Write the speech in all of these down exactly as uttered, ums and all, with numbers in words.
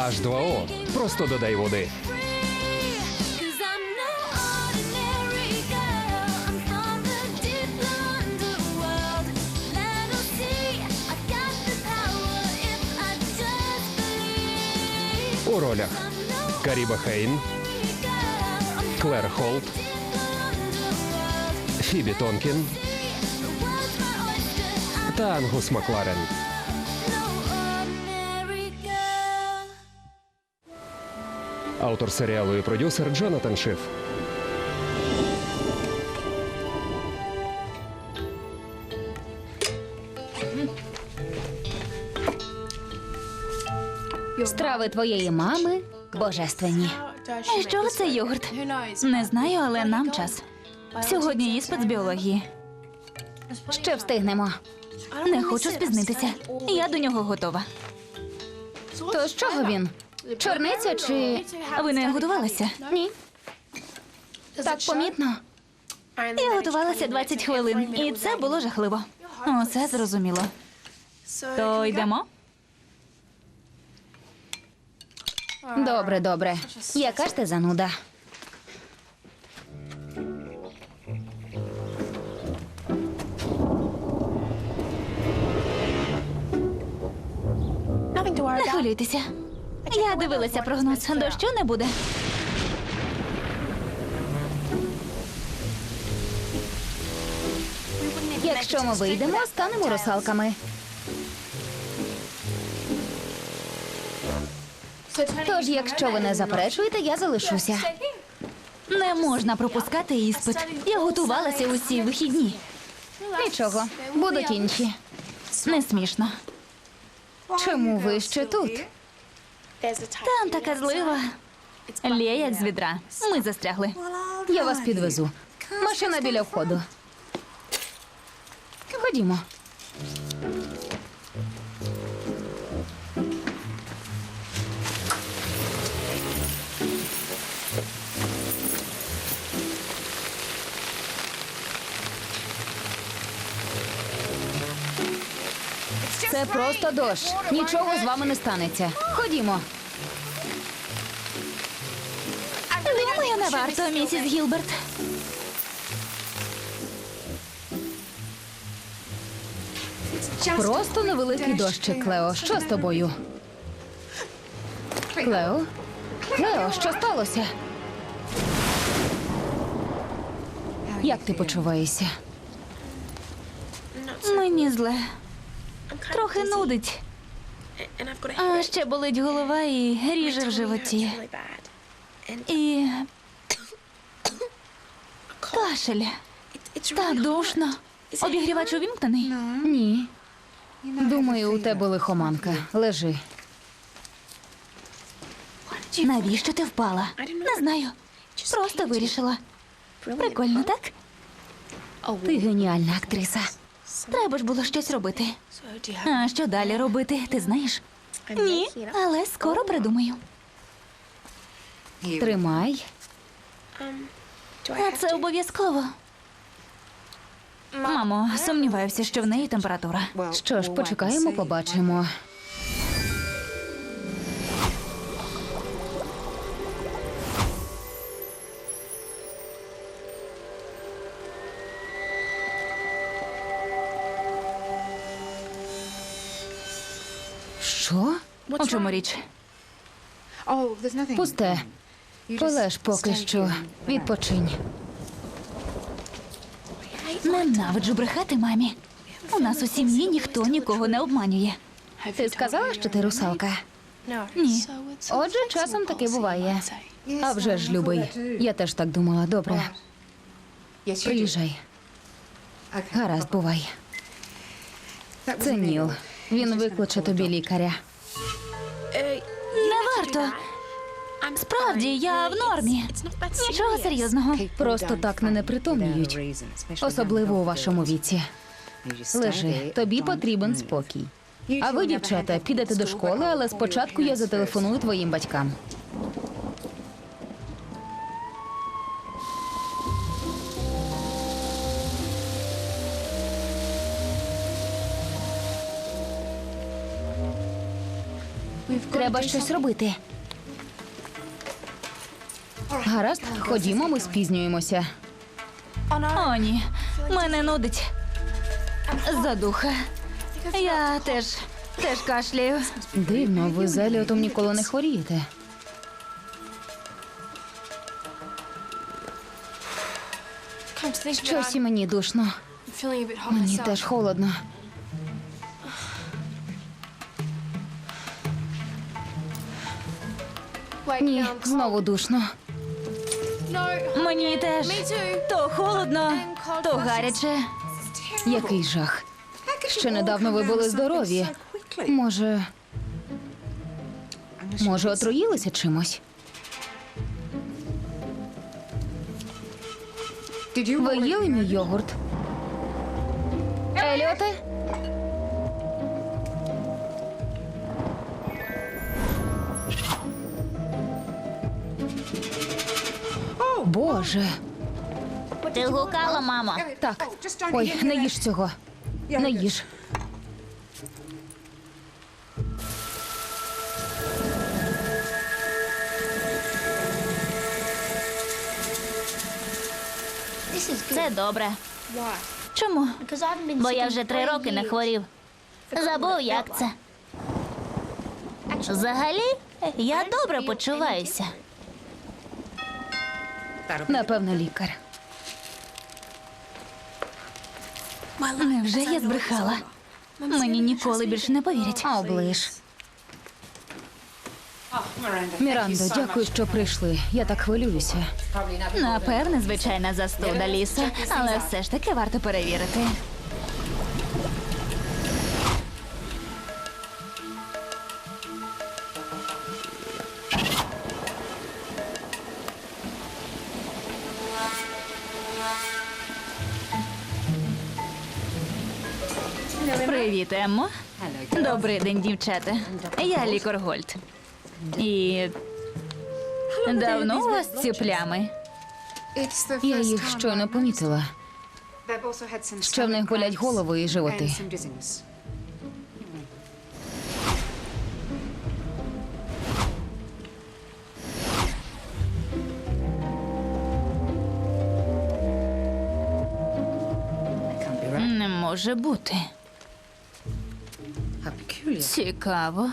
аш два о. Просто додай води. Cause I'm no ordinary girl. I'm from the deep blue underworld. Let 'em see I got the power if I just believe. У ролях I'm no Каріба Хейн, ordinary girl. I'm Клер Холт, deep blue underworld. Фібі Тонкін The world's my oyster. I'm та Ангус Макларен. no ordinary girl. Автор серіалу і продюсер Джонатан Шиф. Страви твоєї мами божественні. І з чого це йогурт? Не знаю, але нам час. Сьогодні іспит з біології. Ще встигнемо. Не хочу спізнитися. Я до нього готова. То з чого він? Чорниця чи... Ви не готувалися? Ні. Так помітно. Я готувалася двадцять хвилин, і це було жахливо. Усе зрозуміло. То йдемо? Добре, добре. Яка ж ти зануда? Не хвилюйтеся. Я дивилася прогноз. Дощу не буде. Якщо ми вийдемо, станемо русалками. Тож, якщо ви не заперечуєте, я залишуся. Не можна пропускати іспит. Я готувалася усі вихідні. Нічого, будуть інші. Не смішно. Чому ви ще тут? Там така злива. Лє, як з відра. Ми застрягли. Я вас підвезу. Машина біля входу. Ходімо. Це просто дощ. Нічого з вами не станеться. Ходімо. Думаю, не варто, місіс Гілберт. Просто невеликий дощик, Клео. Що з тобою? Клео? Клео, що сталося? Як ти почуваєшся? Мені зле. Трохи нудить. А ще болить голова і ріже в животі. І кашель. Так душно. Обігрівач увімкнений? Ні. Думаю, у тебе лихоманка. Лежи. Навіщо ти впала? Не знаю. Просто вирішила. Прикольно, так? Ти геніальна актриса. Треба ж було щось робити. А що далі робити, ти знаєш? Ні, але скоро придумаю. Тримай. А це обов'язково. Мамо, сумніваюся, що в неї температура. Що ж, почекаємо, побачимо. Що? У чому річ? Пусте. Полеж поки що. Відпочинь. Ненавиджу брехати мамі. У нас у сім'ї ніхто нікого не обманює. Ти сказала, що ти русалка? Ні. Отже, часом таке буває. А вже ж, любий. Я теж так думала. Добре. Приїжджай. Гаразд, бувай. Це Ніл. Він викличе тобі лікаря. Не варто. Справді, я в нормі. Нічого серйозного. Просто так не непритомніють. Особливо у вашому віці. Лежи, тобі потрібен спокій. А ви, дівчата, підете до школи, але спочатку я зателефоную твоїм батькам. Треба щось робити. Гаразд, ходімо, ми спізнюємося. О, ні. Мене нудить. Задуха. Я теж, теж кашляю. Дивно, ви з Еліотом ніколи не хворієте. Щось і мені душно. Мені теж холодно. Ні, знову душно. Мені теж. То холодно, то гаряче. Який жах. Ще недавно ви були здорові. Може, може, отруїлися чимось? Ви їли мій йогурт? Еліоте? Боже. Ти гукала, мамо? Так. Ой, не їж цього. Не їж. Це добре. Чому? Бо я вже три роки не хворів. Забув, як це. Взагалі, я добре почуваюся. Напевно, лікар. Невже я збрехала? Мені ніколи більше не повірять. А оближ. Мірандо, дякую, що прийшли. Я так хвилююся. Напевне, звичайна застуда, Лісо, але все ж таки варто перевірити. Привіт, Еммо. Добрий день, дівчата. Я лікар Гольд. І давно у вас ці плями? Я їх щойно помітила. Ще в них болять голови і животи. Не може бути. Цікаво.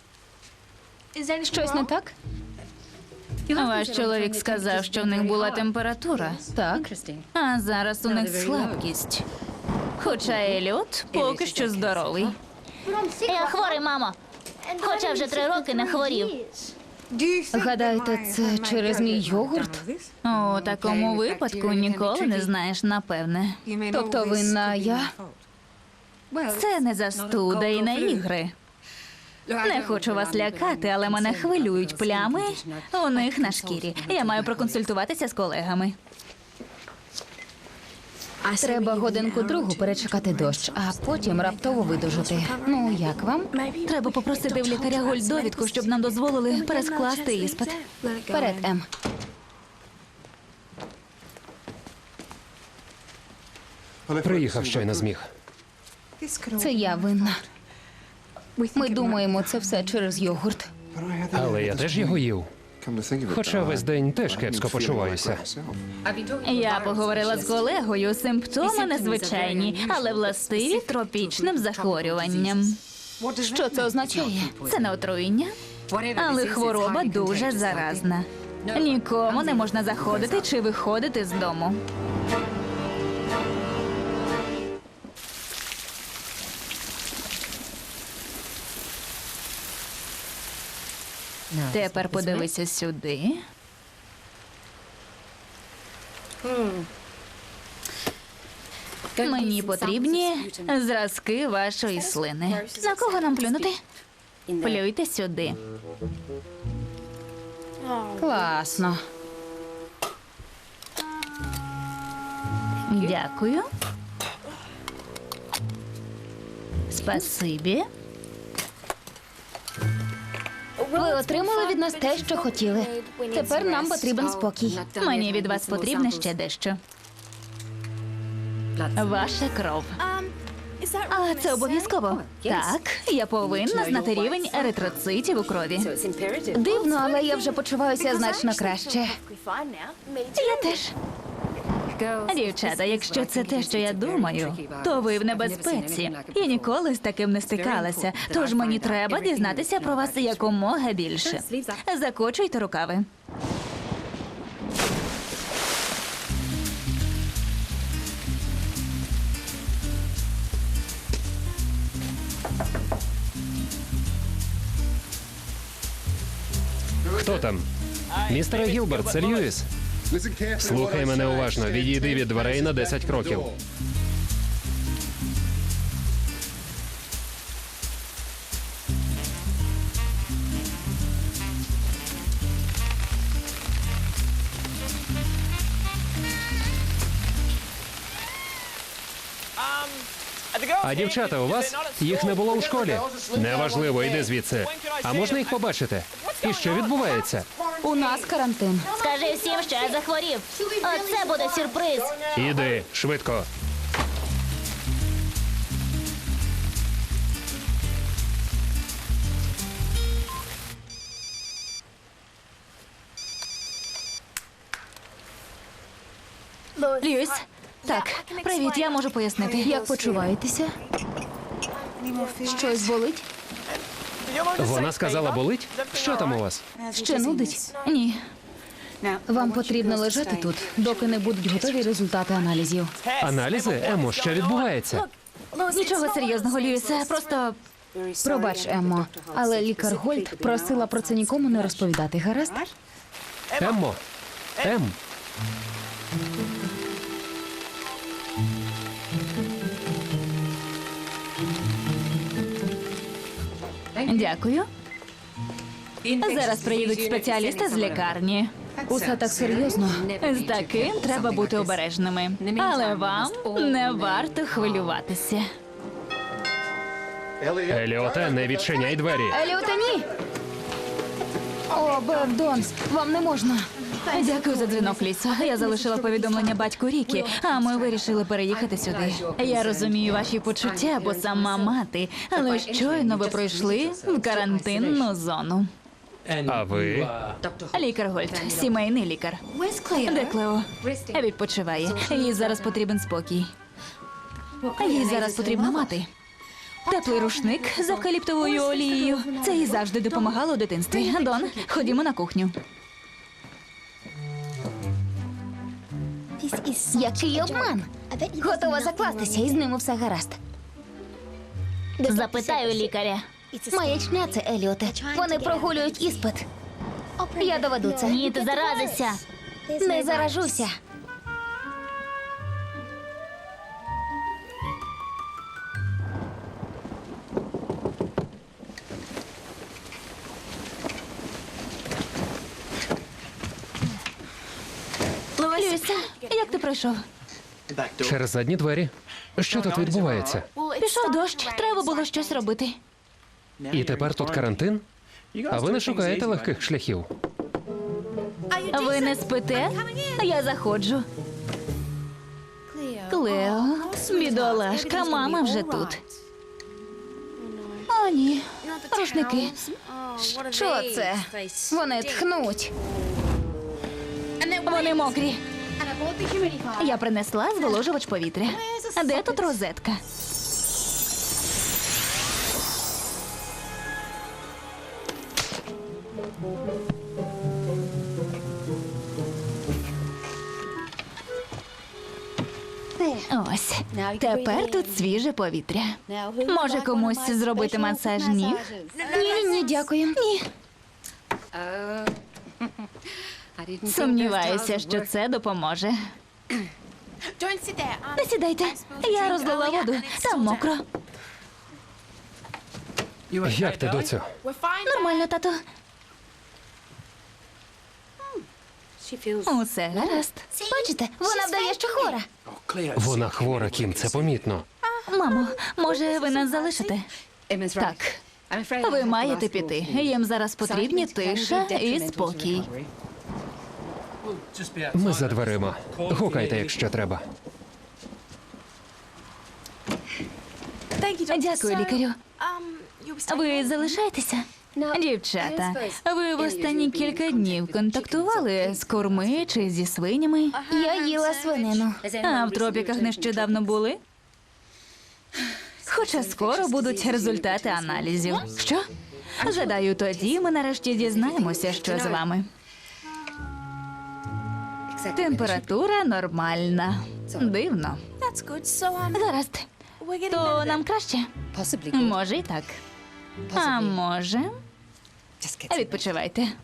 Щось не так? Ваш чоловік сказав, що в них була температура, Так. а зараз у них слабкість. Хоча Еліот поки що здоровий. Я хворий, мамо. Хоча вже три роки не хворів. Гадаєте, це через мій йогурт? У такому випадку ніколи не знаєш, напевне. Тобто винна я? Це не застуда і не ігри. Не хочу вас лякати, але мене хвилюють плями у них на шкірі. Я маю проконсультуватися з колегами. Треба годинку другу перечекати дощ, а потім раптово видужити. Ну, як вам? Треба попросити в лікаря Гольд довідку, щоб нам дозволили перескласти іспит. Вперед, Ем. Приїхав щойно зміг. Це я винна. Ми думаємо, це все через йогурт. Але я теж його їв. Хоча весь день теж кепсько почуваюся. Я поговорила з колегою. Симптоми незвичайні, але властиві тропічним захворюванням. Що це означає? Це не отруєння, але хвороба дуже заразна. Нікому не можна заходити чи виходити з дому. Тепер подивися сюди. Мені потрібні зразки вашої слини. На кого нам плюнути? Плюйте сюди. Класно. Дякую. Спасибі. Ви отримали від нас те, що хотіли. Тепер нам потрібен спокій. Мені від вас потрібно ще дещо. Ваша кров. А це обов'язково. Так, я повинна знати рівень еритроцитів у крові. Дивно, але я вже почуваюся значно краще. Я теж. Дівчата, якщо це те, що я думаю, то ви в небезпеці. Я ніколи з таким не стикалася. Тож мені треба дізнатися про вас якомога більше. Закочуйте рукави. Хто там? Містере Гілберт, це Льюіс. Слухай мене уважно. Відійди від дверей на десять кроків. А дівчата у вас? Їх не було у школі. Неважливо, йди звідси. А можна їх побачити? І що відбувається? У нас карантин. Скажи всім, що я захворів. Оце буде сюрприз. Іди, швидко. Льюіс, так, привіт, я можу пояснити. Як почуваєтеся? Щось болить? Вона сказала, болить? Що там у вас? Ще нудить? Ні. Вам потрібно лежати тут, доки не будуть готові результати аналізів. Аналізи? Емо, що відбувається? Нічого серйозного, Льюісе, просто Пробач, Еммо, але лікар Гольд просила про це нікому не розповідати, гаразд? Еммо? Ем? дякую. Зараз приїдуть спеціалісти з лікарні. Усе так серйозно. З таким треба бути обережними. Але вам не варто хвилюватися. Еліоте, не відчиняй двері. Еліоте, ні! О, Бев, Донс, вам не можна. Дякую за дзвінок, Лісо. Я залишила повідомлення батьку Рікі, а ми вирішили переїхати сюди. Я розумію ваші почуття, бо сама мати, але щойно ви пройшли в карантинну зону. А ви? Лікар Гольд, сімейний лікар. Де Клео? Відпочиває. Їй зараз потрібен спокій. Їй зараз потрібна мати. Теплий рушник з евкаліптовою олією. Це їй завжди допомагало у дитинстві. Дон, ходімо на кухню. Який обман? Готова закластися, і з ними все гаразд. Запитаю лікаря. Маячня це, Еліоте. Вони прогулюють іспит. Я доведу це. Ні, ти заразишся. Не заражуся. Люся, як ти пройшов? Через задні двері. Що тут відбувається? Пішов дощ, треба було щось робити. І тепер тут карантин? А ви не шукаєте легких шляхів? Ви не спите? Я заходжу. Клео, бідолашка, мама вже тут. О, ні. Рушники. Що це? Вони тхнуть. Вони мокрі. Я принесла зволожувач повітря. Де тут розетка? Ось. Тепер тут свіже повітря. Може комусь зробити масаж ніг? Ні, ні, дякую. Ні. Сумніваюся, що це допоможе. Не сідайте. Я розлила воду. Там мокро. Як ти, доцю? Нормально, тато. Усе гаразд. Бачите, вона вдає, що хвора. Вона хвора, Кім, це помітно. Мамо, може, ви нас залишите? Так. Ви маєте піти. Їм зараз потрібні тиша і спокій. Ми за дверима. Гукайте, якщо треба. Дякую, лікарю. Ви залишаєтеся? Дівчата, ви в останні кілька днів контактували з курми чи зі свинями? Я їла свинину. А в тропіках нещодавно були? Хоча скоро будуть результати аналізів. Що? Гадаю, тоді ми нарешті дізнаємося, що з вами. Температура нормальна. Дивно. Гаразд. То нам краще? Може і так. А може? Відпочивайте.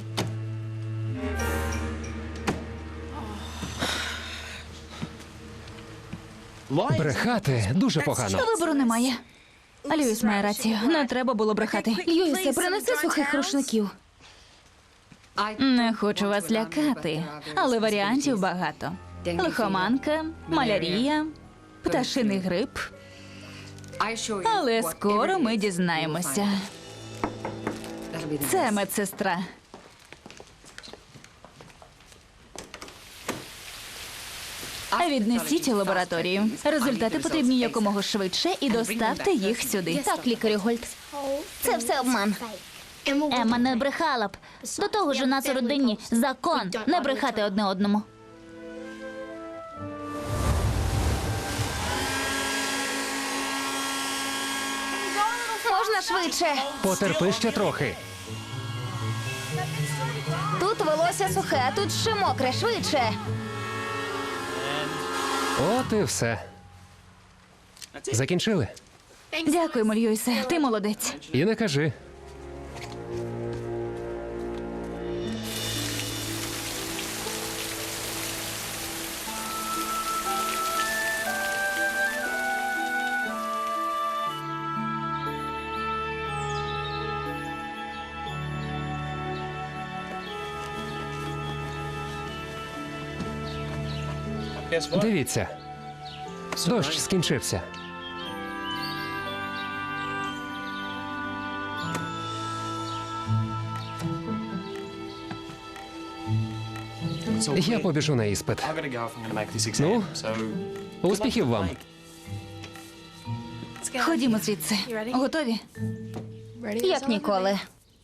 Брехати дуже погано. Вибору немає. Льюіс має рацію. Не треба було брехати. Льюісе, принеси сухих рушників. Не хочу вас лякати, але варіантів багато. Лихоманка, малярія, пташиний грип. Але скоро ми дізнаємося. Це медсестра. Віднесіть у лабораторію. Результати потрібні якомога швидше і доставте їх сюди. Так, лікарю Гольд. Це все обман. Емма не брехала б. До того ж у нас у родині закон не брехати одне одному. Можна швидше. Потерпи ще трохи. Тут волосся сухе, а тут ще мокре. Швидше. От і все. Закінчили? Дякуємо, Льюісе. Ти молодець. І не кажи. Дивіться. Дощ скінчився. Я побіжу на іспит. Ну, успіхів вам. Ходімо звідси. Готові? Як ніколи.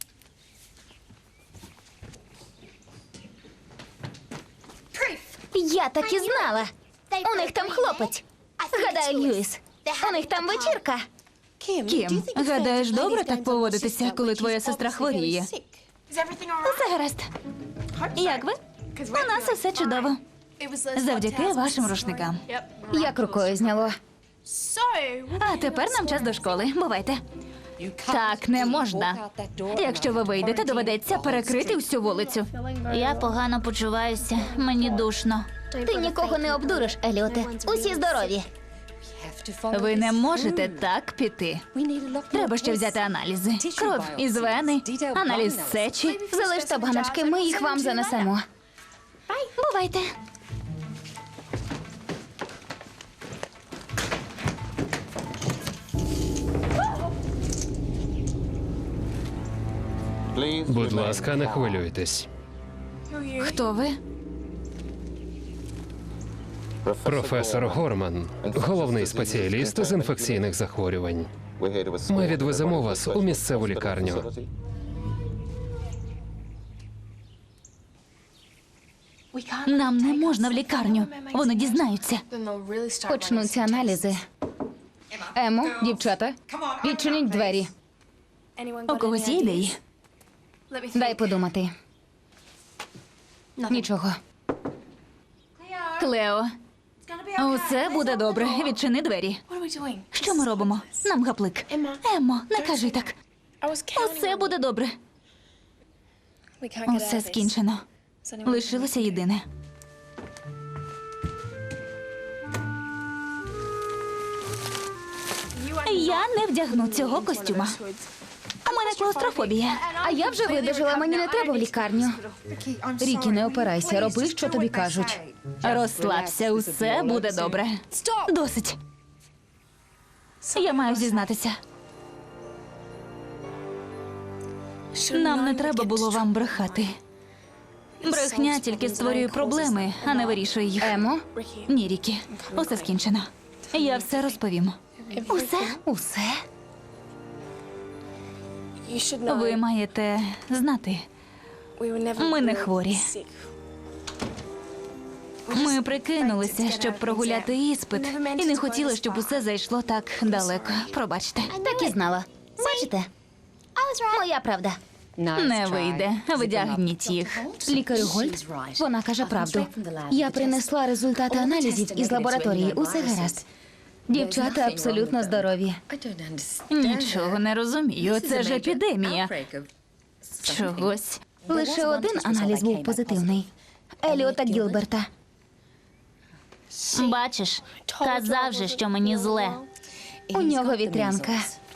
Я так і знала. У них там хлопець. Гадаю, Льюіс. У них там вечірка. Кім, гадаєш, добре так поводитися, коли твоя сестра хворіє? Все гаразд. Як ви? У нас усе чудово. Завдяки вашим рушникам. Як рукою зняло. А тепер нам час до школи. Бувайте. Так не можна. Якщо ви вийдете, доведеться перекрити всю вулицю. Я погано почуваюся, мені душно. Ти нікого не обдуриш, Еліоте. Усі здорові. Ви не можете так піти. Треба ще взяти аналізи. Кров із вени, аналіз сечі. Залиште баночки, ми їх вам занесемо. Бувайте. Будь ласка, не хвилюйтесь. Хто ви? Професор Горман, головний спеціаліст з інфекційних захворювань. Ми відвеземо вас у місцеву лікарню. Нам не можна в лікарню. Вони дізнаються. Почнуться аналізи. Емо, дівчата, відчиніть двері. У когось є ідеї? Дай подумати. Нічого. Клео, усе буде добре. Відчини двері. Що ми робимо? Нам гаплик. Еммо, не кажи так. Усе буде добре. Усе скінчено. Лишилося єдине. Я не вдягну цього костюма. У мене клаустрофобія. А я вже видержала, мені не треба в лікарню. Рікі, не опирайся, роби, що тобі кажуть. Розслабся, усе буде добре. Досить. Я маю зізнатися. Нам не треба було вам брехати. Брехня тільки створює проблеми, а не вирішує їх. Емо, Ні, Рікі, усе скінчено. Я все розповім. Усе? Усе? Ви маєте знати, ми не хворі. Ми прикинулися, щоб прогуляти іспит, і не хотіли, щоб усе зайшло так далеко. Пробачте. Так і знала. Бачите? Моя правда. Не вийде. Видягніть їх. Лікарю Гольд, вона каже правду. Я принесла результати аналізів із лабораторії. Усе гаразд. Дівчата абсолютно здорові. Нічого не розумію. Це ж епідемія. Чогось. Лише один аналіз був позитивний. Еліота Гілберта. Бачиш, казав же, що мені зле. У нього вітрянка.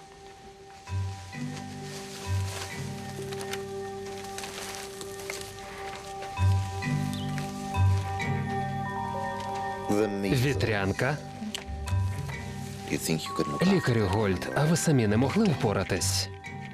Вітрянка. Лікарю Гольд, а ви самі не могли впоратись?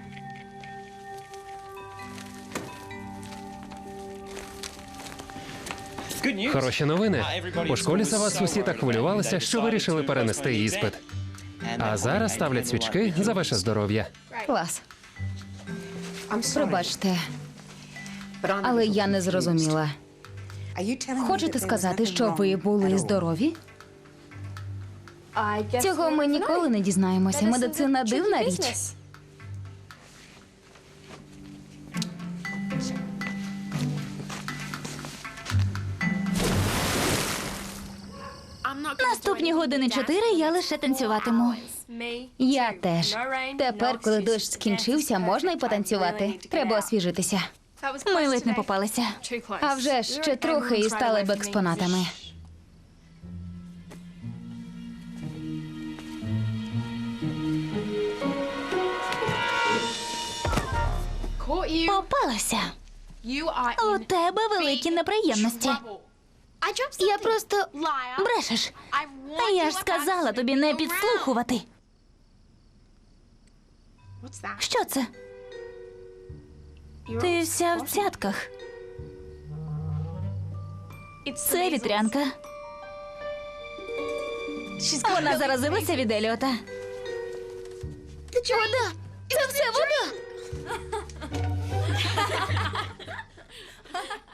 Хороші новини. У школі за вас усі так хвилювалися, що вирішили перенести іспит. А зараз ставлять свічки за ваше здоров'я. Клас. Пробачте, але я не зрозуміла. Хочете сказати, що ви були здорові? Цього ми ніколи не дізнаємося. Медицина дивна річ. Наступні години чотири я лише танцюватиму. Я теж. Тепер, коли дощ скінчився, можна й потанцювати. Треба освіжитися. Ми ледь не попалися. А вже ж ще трохи і стали б експонатами. Попалася. У тебе великі неприємності. Я просто Брешеш. А я ж сказала тобі не підслухувати. Що це? Ти вся в цятках. Це вітрянка. Вона заразилася від Еліота. вода! Це все вода!